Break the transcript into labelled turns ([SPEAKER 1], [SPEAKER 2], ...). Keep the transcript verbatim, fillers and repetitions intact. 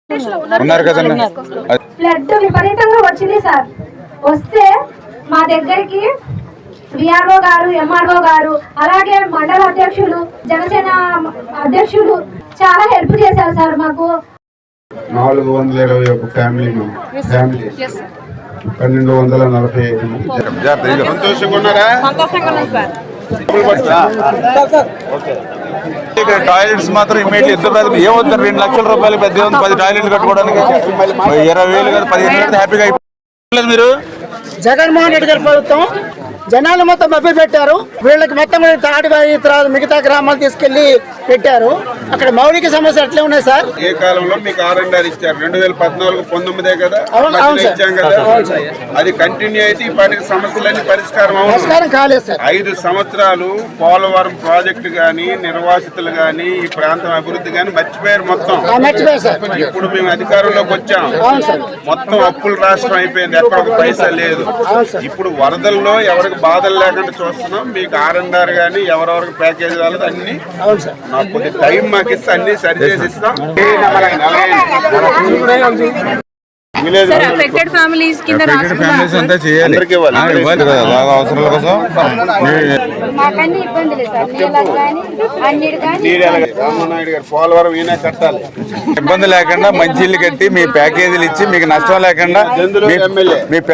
[SPEAKER 1] Flood విపరీతంగా వచ్చింది sir. వస్తే మా దగ్గరికి విఆర్ఓ గారు, ఎంఆర్ఓ గారు, అలాగే మండల అధ్యక్షులు, జనసేన అధ్యక్షులు చాలా హెల్ప్ చేశారు సార్. మాకు
[SPEAKER 2] నాలుగు వందల ఇరవై ఒక ఫ్యామిలీ ఫ్యామిలీ పన్నెండు వందల నలభై ఐదు మంది సంతోషంగా ఉన్నారా?
[SPEAKER 3] ఇక్కడ టాయిలెట్స్ మాత్రం ఇమీడియట్ ఇద్దరు ఏమవుతారు, రెండు లక్షల రూపాయలు పెద్ద పది టాయిలెట్లు కట్టుకోవడానికి ఇరవై వేలు కదా పదిహేను వేలు హ్యాపీగా అయిపోలేదు. మీరు
[SPEAKER 4] జగన్మోహన్ రెడ్డి గారి ప్రభుత్వం జనాలు మొత్తం మభ్య పెట్టారు. వీళ్ళకి మొత్తం తాటిబాయి తర్వాత మిగతా గ్రామాలు తీసుకెళ్లి పెట్టారు. అక్కడ మౌలిక సమస్యలు ఎట్లా ఉన్నాయి సార్?
[SPEAKER 2] ఏ కాలంలో మీకు ఆర్ అండ్ ఆర్ ఇచ్చారు? రెండు వేల పద్నాలుగు పంతొమ్మిదే కదా ఇచ్చాం కదా. అది కంటిన్యూ అయితే ఇప్పటికి సమస్యలన్నీ పరిష్కారం
[SPEAKER 4] పరిష్కారం కాలేదు సార్.
[SPEAKER 2] ఐదు సంవత్సరాలు పోలవరం ప్రాజెక్టు గాని, నిర్వాసితులు గాని, ఈ ప్రాంతం అభివృద్ధి గాని మర్చిపోయారు మొత్తం.
[SPEAKER 4] మర్చిపోయారు సార్.
[SPEAKER 2] ఇప్పుడు మేము అధికారంలోకి వచ్చాం, మొత్తం అప్పుల రాష్ట్రం అయిపోయింది, ఎక్కడ ఒక పైసా లేదు. ఇప్పుడు వరదల్లో ఎవరికి బాధలు లేకుండా చూస్తున్నాం. మీకు ఆర్ అండ్ ఆర్ గానీ ఎవరెవరికి ప్యాకేజ్ వాళ్ళది అన్ని నాకు కొద్ది టైం మాకు ఇస్తే అన్ని సరి చేసి ఇస్తాం. పోలవరం ఈయన కట్టాలి,
[SPEAKER 3] ఇబ్బంది లేకుండా మంచి ఇల్లు కట్టి మీ ప్యాకేజీలు ఇచ్చి మీకు నష్టం లేకుండా మీ